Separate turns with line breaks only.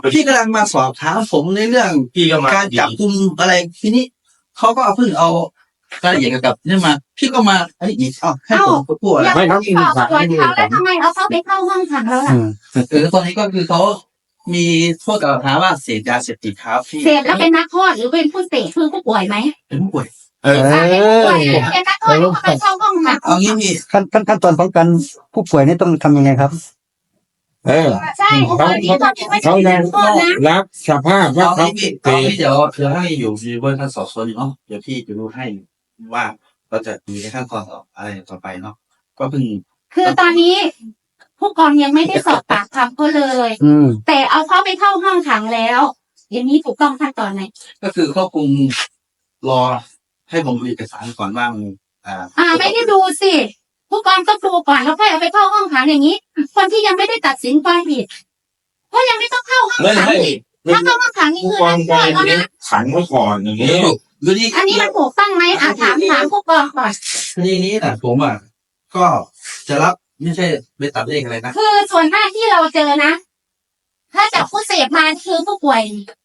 พี่กำลังมาสอบถามผมในเรื่อง
พี่ก็มา
การจับกุมอะไรทีนี้เขาก็เพิ่งเอารายละเอียดเกี่ยวกับนี่มาพี่ก็มาไอ้อีกให้ผมพูดอะไร
ไม่ต้องสอบสวนเขาแล้วทำไมเอาเขาไปเข้าห้องขังแล้วล่ะ
ตอนนี้ก็คือเขามีโทษกล่าวหาว่าเสพยาเสพติดครับพี่
เสพแล้วเป็นนักโทษหรือเป็นผู้เสพคือผู้ป่วยไหม
เป็นผู้ป่วย
เป็นนักโทษแล้วไปเข้าห้องขัง
เอางี้พี่
ขั้นตอนของการผู้ป่วยนี่ต้องทำยังไงครับ
ใช่ผู้ป่วยที่ตอนนี้ไม่ใช่
เขายั
นั
ง
กโทษนะ
รับสภาพว่า
เอา
เขา
งี้พี่
เส
เอา
พ
งี้เดี๋ยวให้อยู่ในเวอร์ชันสอบสวนอยู่เนาะเดี๋ยวพี่จะดูให้ว่าเราจะมีขั้นตอนต่ออะไรต่อไปเนาะก็เพิ่ง
คือตอนนี้ ผู้กองยังไม่ได้สอบปากคำเขาเลย แต่เอาเขาไปเข้าห้องขังแล้วอย่างนี้ถูกต้องขั้นตอนไหน
ก็คือควบคุมรอให้ผมดูเอกสารก่อนว่ามัน
ไม่ได้ดูสิผู้กองต้องดูก่อนแล้วค่อยเอาไปเข้าห้องขังอย่างนี้ คนที่ยังไม่ได้ตัดสินความผิดก็ยังไม่ต้องเข้าห้อง
ไม่
ขัง
ให้
อีกถ้าเข้าห้องขังนี่คือ
วา
นั
ง
กโท
ใจ
ษแล้ว
นี้
นะ
ขังไว้ก่อนอย่างนี้
ดูนี่
อันนี้มันถูกต้องไหมถามผู้กองก่อน
ทีนี้นะผมก็จะรับไม่ใช่ไปตัดเลขอะไรนะ
คือส่วนมากที่เราเจอนะ ถ้าจับผู้เสพมาคือผู้ป่วย